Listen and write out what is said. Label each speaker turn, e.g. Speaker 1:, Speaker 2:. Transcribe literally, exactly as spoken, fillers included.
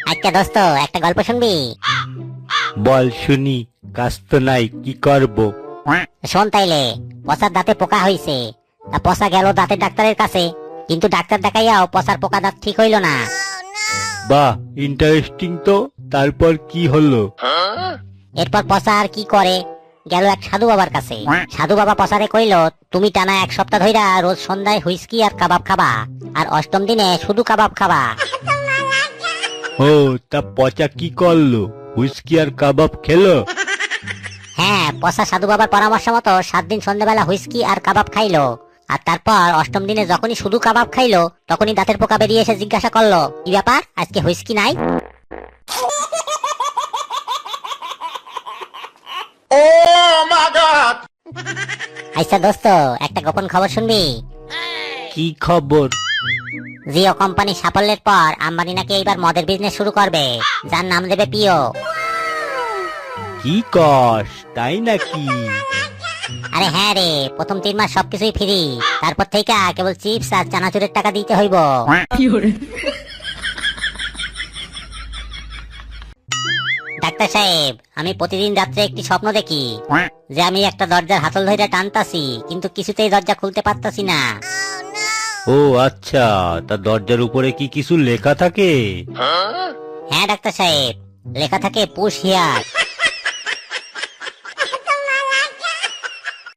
Speaker 1: আচ্ছা দোস্ত, একটা গল্প শুনবি?
Speaker 2: বল শুনি। কাজ তো নাই, কি করব?
Speaker 1: শোন তাইলে। পচার দাঁতে পোকা হইছে, তা পচা গেল দাঁতের ডাক্তারের কাছে, কিন্তু ডাক্তার দেখাইয়াও পচার পোকা দাঁত ঠিক হইল না।
Speaker 2: বাহ, ইন্টারেস্টিং তো। তারপর কি হলো?
Speaker 1: এরপর পচা আর কি করে, গেল এক সাধু বাবার কাছে। সাধু বাবা পচারে কইল, তুমি টানা এক সপ্তাহ ধইরা রোজ সন্ধ্যায় হুইস্কি আর কাবাব খাবা, আর অষ্টম দিনে শুধু কাবাব খাবা।
Speaker 2: ও, তা পচা কি করলো? হুইস্কি আর কাবাব খেলো?
Speaker 1: হ্যাঁ, পচা সাধু বাবার পরামর্শ মতো সাত দিন সন্ধ্যাবেলা হুইস্কি আর কাবাব খাইলো, আর তারপর অষ্টম দিনে যখনই শুধু কাবাব খাইলো, তখনই দাঁতের পোকা বেরিয়ে এসে জিজ্ঞাসা করলো, কি ব্যাপার, আজকে হুইস্কি নাই? আচ্ছা দোস্ত, একটা গোপন খবর শুনবি?
Speaker 2: কি খবর?
Speaker 1: জিও কোম্পানি সাফল্যের পর আম্বানি নাকি এইবার মদের বিজনেস শুরু করবে, যার নাম দেবে পিও।
Speaker 2: কি কস, তাই নাকি?
Speaker 1: আরে হ্যাঁ রে, প্রথম তিন মাস সবকিছুই ফ্রি, তারপর থেকে কেবল চিপস আর চানাচুরের টাকা দিতে হইব। ডাক্তার সাহেব, আমি প্রতিদিন রাত্রে একটি স্বপ্ন দেখি যে আমি একটা দরজার হাতল ধরে টানতাছি, কিন্তু কিছুতেই দরজা খুলতে পারতাছি না।
Speaker 2: ও আচ্ছা, তা দরজার উপরে কি কিছু লেখা থাকে?
Speaker 1: হ্যাঁ ডাক্তার সাহেব, লেখা থাকে পুশ হিয়ার।